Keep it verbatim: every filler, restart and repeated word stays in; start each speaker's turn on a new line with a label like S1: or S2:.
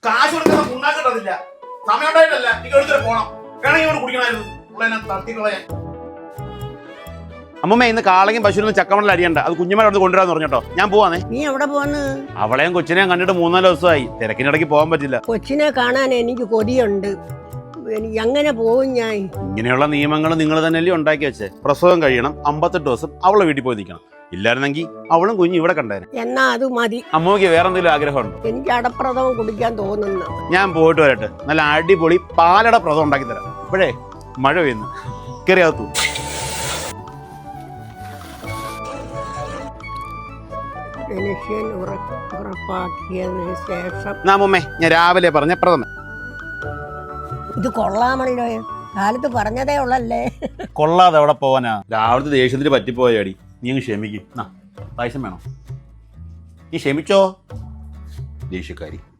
S1: കാശ് കൊടുക്കുന്ന പുണ്ണാൻ കിട്ടത്തില്ല. സമയം ഉണ്ടായിട്ടല്ല, എനിക്ക് എടുത്തിട്ട് പോണം. വേണമെങ്കിൽ ഇവിടെ കുടിക്കണമായിരുന്നു. ഉള്ള തട്ടിക്കളയാൻ. അമ്മമ്മ ഇന്ന് കാളയും പശുവിനും ചക്കമണ്ണിൽ അരിയണ്ട. അത് കുഞ്ഞുമാരെ അടുത്ത് കൊണ്ടുവരാന്ന് പറഞ്ഞോട്ടോ. ഞാൻ പോവാന്നേ.
S2: നീ എവിടെ പോന്ന്?
S1: അവളെയും കൊച്ചിനെയും കണ്ടിട്ട് മൂന്നാല് ദിവസമായി. തിരക്കിനിടയ്ക്ക് പോകാൻ പറ്റില്ല.
S2: കൊച്ചിനെ കാണാൻ എനിക്ക് കൊതിയുണ്ട്. എങ്ങനെ പോകും ഞാൻ?
S1: ഇങ്ങനെയുള്ള നിയമങ്ങൾ നിങ്ങൾ തന്നെയല്ലേ ഉണ്ടാക്കി വെച്ചേ. പ്രസവം കഴിയണം, അമ്പത്തെട്ട് ദിവസം അവളെ വീട്ടിൽ പോയി നിൽക്കണം. ഇല്ലായിരുന്നെങ്കിൽ അവളും കുഞ്ഞും ഇവിടെ കണ്ടേനെ.
S2: എന്നാ അത് മതി.
S1: അമ്മയ്ക്ക് വേറെ എന്തെങ്കിലും ആഗ്രഹമുണ്ടോ?
S2: എനിക്ക് അടപ്രഥമം കുടിക്കാൻ തോന്നുന്നു.
S1: ഞാൻ പോയിട്ട് വരട്ടെ. നല്ല അടിപൊളി പാലട പ്രഥമം ഉണ്ടാക്കി തരാം. ഇപ്പോഴേ മഴ പെയ്യുന്നു. കയറിയാത്തു.
S2: മനുഷ്യൻ ഉറപ്പാക്കിയതിന് ശേഷം
S1: നാമമ്മേ ഞാൻ രാവിലെ പറഞ്ഞ പ്രഥമൻ.
S2: ഇത് കൊള്ളാമല്ലോ. കാലത്ത് പറഞ്ഞതേ ഉള്ളല്ലേ.
S1: കൊള്ളാതെ എവിടെ പോവാനാ? രാവിലത്തെ ദേഷ്യത്തിന് പറ്റിപ്പോയാടി. നീ അങ്ങ് ക്ഷമിക്കും. പായസം വേണോ? നീ ക്ഷമിച്ചോ ദേഷ്യക്കാരി.